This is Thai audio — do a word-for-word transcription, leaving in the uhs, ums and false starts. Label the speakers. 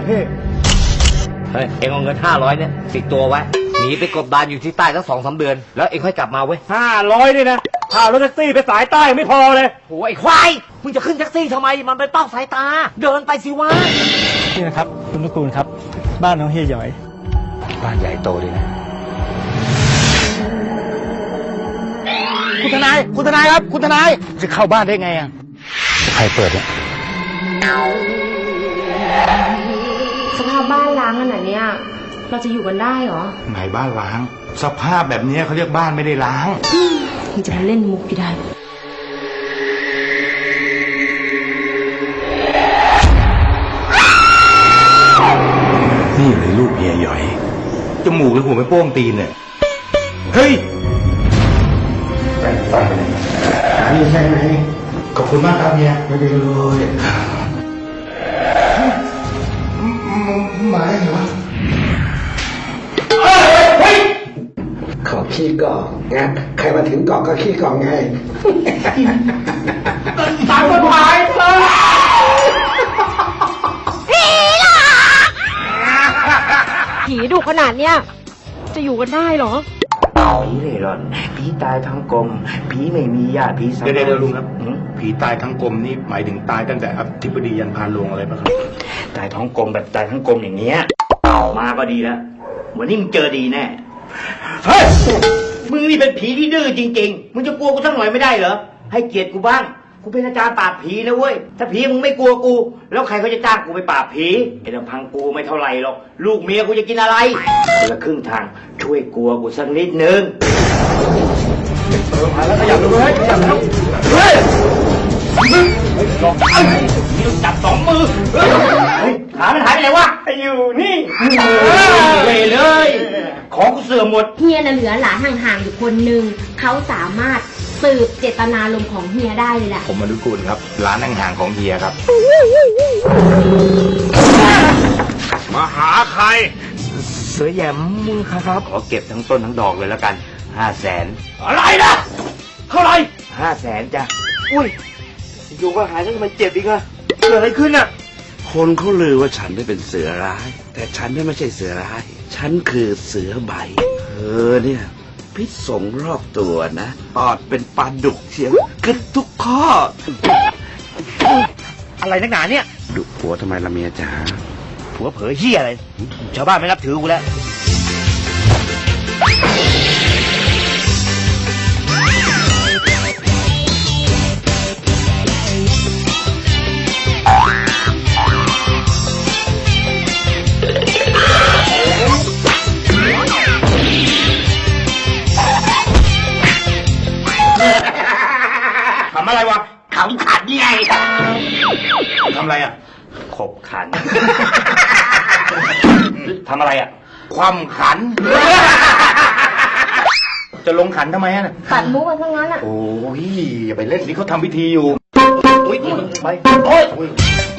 Speaker 1: ละพี่
Speaker 2: เฮ้ยเอ็งเอาเงินห้าร้อยเนี่ยติดตัวไว้หนีไปกบดานอยู่ที่ใต้ตั้งสองสามเดือนแล้วเอ็งค่อยกลับมาเว้ย
Speaker 1: ห้าร้อยนี่นะค่ารถแท็กซี่ไปสายใต้ไม่พอเลย
Speaker 2: โอ้ยควายมึงจะขึ้นแท็กซี่ทำไมมันเป็นเป้าสายตาเดินไปสิวะ
Speaker 3: นี่นะครับคุณนุกูลครับบ้านน้องเฮียหยอย
Speaker 2: บ้านใหญ่โตเลยนะ
Speaker 1: คุณทนายคุณทนายครับคุณทนายจะเข้าบ้านได้ไงอ่ะ
Speaker 2: ใครเปิดเนี่ย
Speaker 4: สภาพบ้านล้างขนาดนี้เราจะอยู่กันได้เหรอ
Speaker 5: ไหนบ้านล้างสภาพแบบนี้เขาเรียกบ้านไม่ได้ล้าง
Speaker 4: ยังจะมาเล่นมุกอยู่ได้
Speaker 5: นี่เลยลูกเฮียหยอยจมูกหรือหัวไม่โป้งตีนเนี่ยเฮ้ยไปไปนี่ใช่ไหมขอบคุณมากครับเฮียไม่ได้เลยหมายเหรอ
Speaker 6: ขอขี้กองนะใครมาถึงกองก็ขี้กองไง
Speaker 1: ตายคนหายเลย
Speaker 4: ผีดุขนาดเนี้ยจะอยู่กันได้เหรอ
Speaker 2: ผีเร่ร่อนผีตายทั้งกลมผีไม่มีญาติผีสัง
Speaker 5: เดี๋ยวเดี๋ยวลุงครับผีตายทั้งกลมนี่หมายถึงตายตั้งแต่อธิบดียันพานโรงอะไรป่ะครับ
Speaker 2: ตายท้องกลมแบบตายทั้งกลมอย่างเงี้ยมาก็ดีแล้ววันนี้มึงเจอดีแน่เฮ้ยมึงนี่เป็นผีที่ดื้อจริงๆมึงจะกลัวกูสักหน่อยไม่ได้เหรอให้เกียรติกูบ้างกูเป็นอาจารย์ปราบผีนะเว้ยถ้าผีมึงไม่กลัวกูแล้วใครเขาจะจ้างกูไปปราบผีไอ้ลำพังกูไม่เท่าไหร่หรอกลูกเมียกูจะกินอะไรคนละครึ่งทางช่วยกลัวกูสักนิดนึง
Speaker 1: เออมาแล้วขยับดูเฮ้ยขยับแล้วเฮ้ยลอง
Speaker 2: นี่จับสองมือเฮ้ยขามันหายไปไหนวะ
Speaker 1: อยู่นี่
Speaker 2: เลยเลยของกูเสื่อมหมด
Speaker 4: เฮียน่ะเหลือหลานห่างๆอยู่คนหนึ่งเขาสามารถสืบเจตนารมณ์ของเฮียได้เลยแหละ
Speaker 5: ผมมนุกูลครับร้านห่างๆของเฮียครับ
Speaker 1: มาหาใคร
Speaker 2: เสือแยมมึงครับขอเก็บทั้งต้นทั้งดอกเลยแล้วกันห้าแสน
Speaker 1: อะไรนะเท่าไร
Speaker 2: ห้าแสนจ้ะอุ้ยอยู่ก็หายแล้วทำไมเจ็บอีกอะเกิดอะไรขึ้นอะ
Speaker 7: คนเขาลือว่าฉันได้เป็นเสือร้ายแต่ฉันนี่ไม่ใช่เสือร้ายฉันคือเสือใบเธอเนี่ยพิษสงรอบตัวนะปอดเป็นปลาดุกเชียวกึดทุกข้อ
Speaker 2: อะไรนักหนาเนี่ย
Speaker 7: ดุผัวทำไมละเมียจ๋า
Speaker 2: ผัวเผยเหี้ยอะไรชาวบ้านไม่นับถือกูแล้ว
Speaker 5: ทำอะไรวะ
Speaker 2: ขำขันไง
Speaker 5: ทำอะไรอ่ะ
Speaker 2: ขบขันทำอะไรอ่ะ
Speaker 5: ความขันจะลงขันทำไมอ่ะ
Speaker 4: ตัดมุกกันทั้งนั้นอ่ะ
Speaker 5: โอ้ยอย่าไปเล่นนี่เขาทำพิธีอยู่
Speaker 2: อุ้ยไป
Speaker 5: โอ้ย